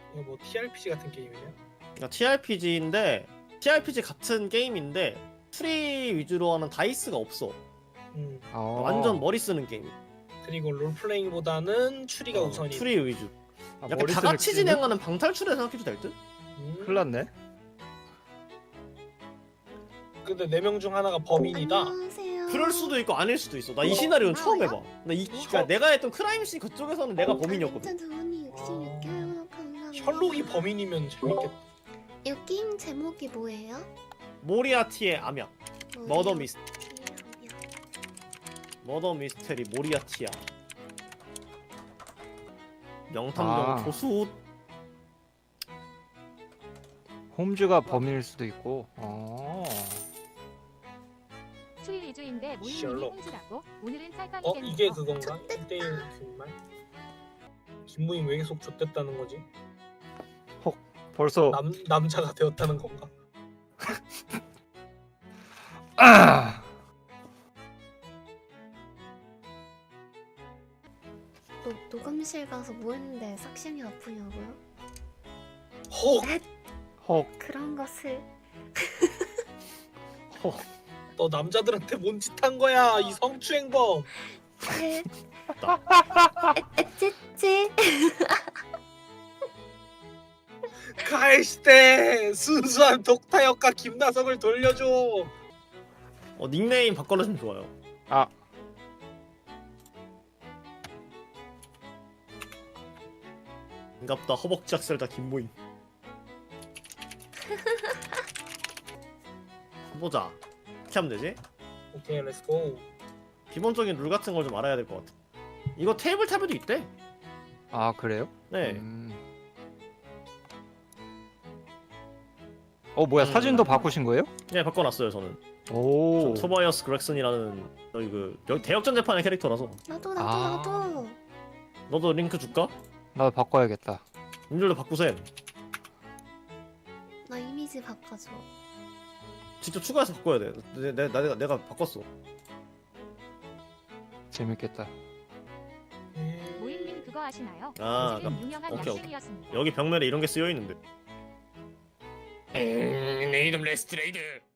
이거 뭐 TRPG 같은 게임이냐? 그러니까 TRPG인데 TRPG 같은 게임인데 추리 위주로 하는 다이스가 없어. 완전 머리 쓰는 게임. 그리고 롤플레잉보다는 추리가 우선이. 추리 위주. 아, 약간 머리 다 쓰는 같이 게임은? 진행하는 방탈출에 생각해도 될 듯? 큰일 났네. 근데 4명 중 하나가 범인이다. 안녕하세요. 그럴 수도 있고 아닐 수도 있어. 나 이 시나리오는 처음 해봐. 그러니까 내가 했던 크라임씬 그쪽에서는 내가 범인이었거든. 돈이 66개월 감사합니다. 셜록이 범인이면 재밌겠다. 이 게임 제목이 뭐예요? 모리아티의 암약. 머더 미스 미스. 머더 미스테리 모리아티야. 명탐정 조수. 홈즈가 범인일 수도 있고. 추리 위주인데 모임이 셜록. 홍주라고? 오늘은 짤방이 되는 이게 거. 그건가? 1대1 뒷말? 김모임 왜 계속 좆됐다는 거지? 벌써 남자가 되었다는 건가? 녹음실 가서 뭐 했는데 삭심이 아프냐고요? 헉! 그런 것을 너 남자들한테 뭔 짓 한 거야 이 성추행범. 에찌찌. 가해시대 순수한 독타 역과 김나성을 돌려줘. 닉네임 바꿔주면 좋아요. 반갑다 허벅지 학살자 김모임. 보자. 어떻게 하면 되지? 오케이 렛츠고. 기본적인 룰 같은 걸 좀 알아야 될 것 같아. 이거 테이블탑에도 있대. 아 그래요? 네. 뭐야 사진도 바꾸신 거예요? 네 바꿔놨어요 저는. 오. 토바이어스 그렉슨이라는 여기 대역전 재판의 캐릭터라서. 나도 아. 나도. 너도 링크 줄까? 나도 바꿔야겠다. 님들도 바꾸셈. 나 이미지 바꿔줘. 직접 추가해서 바꿔야 돼. 내가 바꿨어. 재밌겠다. 모임님 그거 아시나요? 아, 요즘 유명한 오케이, 약식이었습니다. 여기 벽면에 이런 게 쓰여 있는데. 내 이름 레스트레이드.